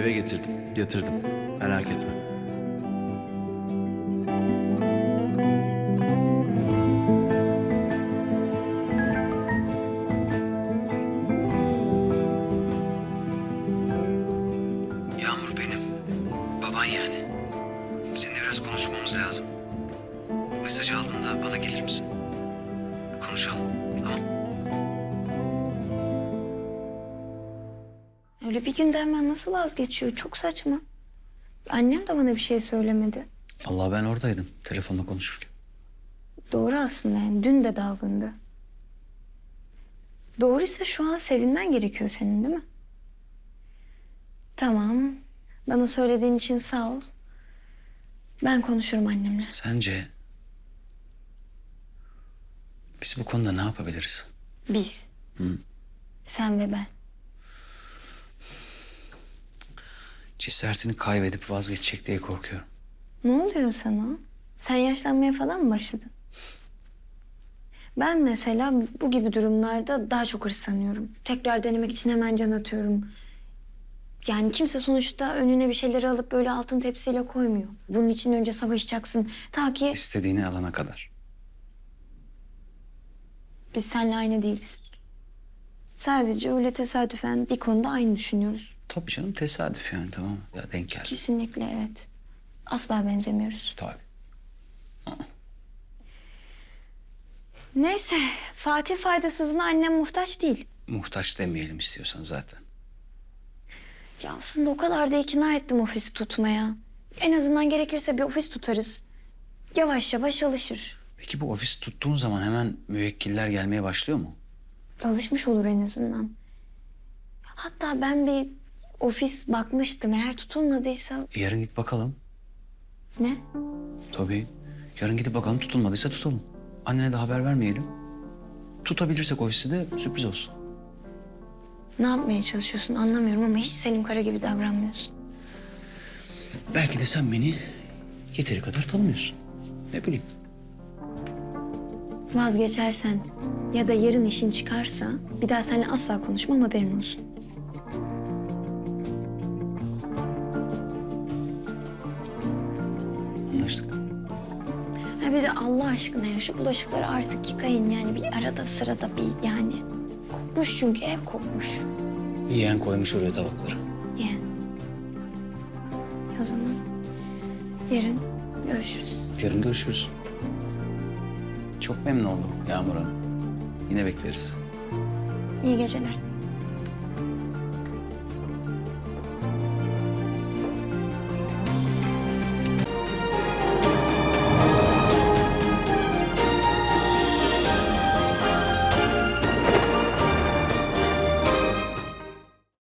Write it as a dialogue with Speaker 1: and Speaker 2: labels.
Speaker 1: Eve getirdim, yatırdım. Merak etme.
Speaker 2: Yağmur benim. Baban yani. Seninle biraz konuşmamız lazım. Mesajı aldığında bana gelir misin? Konuşalım, tamam?
Speaker 3: Öyle bir günde hemen nasıl vazgeçiyor? Çok saçma. Annem de bana bir şey söylemedi.
Speaker 2: Allah ben oradaydım telefonla konuşurken.
Speaker 3: Doğru aslında yani. Dün de dalgındı. Doğruysa şu an sevinmen gerekiyor senin, değil mi? Tamam. Bana söylediğin için sağ ol. Ben konuşurum annemle.
Speaker 2: Sence biz bu konuda ne yapabiliriz?
Speaker 3: Biz.
Speaker 2: Hı.
Speaker 3: Sen ve ben.
Speaker 2: Cesaretini kaybedip vazgeçecek diye korkuyorum.
Speaker 3: Ne oluyor sana? Sen yaşlanmaya falan mı başladın? Ben mesela bu gibi durumlarda daha çok hırslanıyorum. Tekrar denemek için hemen can atıyorum. Yani kimse sonuçta önüne bir şeyleri alıp böyle altın tepsiyle koymuyor. Bunun için önce savaşacaksın. Ta ki
Speaker 2: İstediğini alana kadar.
Speaker 3: biz seninle aynı değiliz. Sadece öyle tesadüfen bir konuda aynı düşünüyoruz.
Speaker 2: Tabii canım tesadüf yani tamam mı? Ya denk geldi.
Speaker 3: Kesinlikle evet. Asla benzemiyoruz.
Speaker 2: Tabii.
Speaker 3: Neyse, Fatih faydasızına annem muhtaç değil.
Speaker 2: Muhtaç demeyelim istiyorsan zaten.
Speaker 3: Ya aslında o kadar da ikna ettim ofisi tutmaya. En azından gerekirse bir ofis tutarız. Yavaş yavaş alışır.
Speaker 2: Peki bu ofis tuttuğun zaman hemen müvekkiller gelmeye başlıyor mu?
Speaker 3: Alışmış olur en azından. Hatta ben bir ofis bakmıştım. Eğer tutulmadıysa...
Speaker 2: Yarın git bakalım.
Speaker 3: Ne?
Speaker 2: Tabii. Yarın gidip bakalım tutulmadıysa tutalım. Annene de haber vermeyelim. Tutabilirsek ofisi de sürpriz olsun.
Speaker 3: Ne yapmaya çalışıyorsun anlamıyorum ama hiç Selim Kara gibi davranmıyorsun.
Speaker 2: Belki de sen beni yeteri kadar tanımıyorsun. Ne bileyim.
Speaker 3: Vazgeçersen ya da yarın işin çıkarsa bir daha seninle asla konuşmam, haberin olsun.
Speaker 2: Anlaştık.
Speaker 3: Ha bir de Allah aşkına ya şu bulaşıkları artık yıkayın yani bir arada sırada bir yani. Kokmuş çünkü ev kokmuş.
Speaker 2: Yeğen koymuş oraya tabakları.
Speaker 3: Yani. O zaman yarın görüşürüz.
Speaker 2: Yarın görüşürüz. Çok memnun oldum Yağmur Hanım. Yine bekleriz.
Speaker 3: İyi geceler.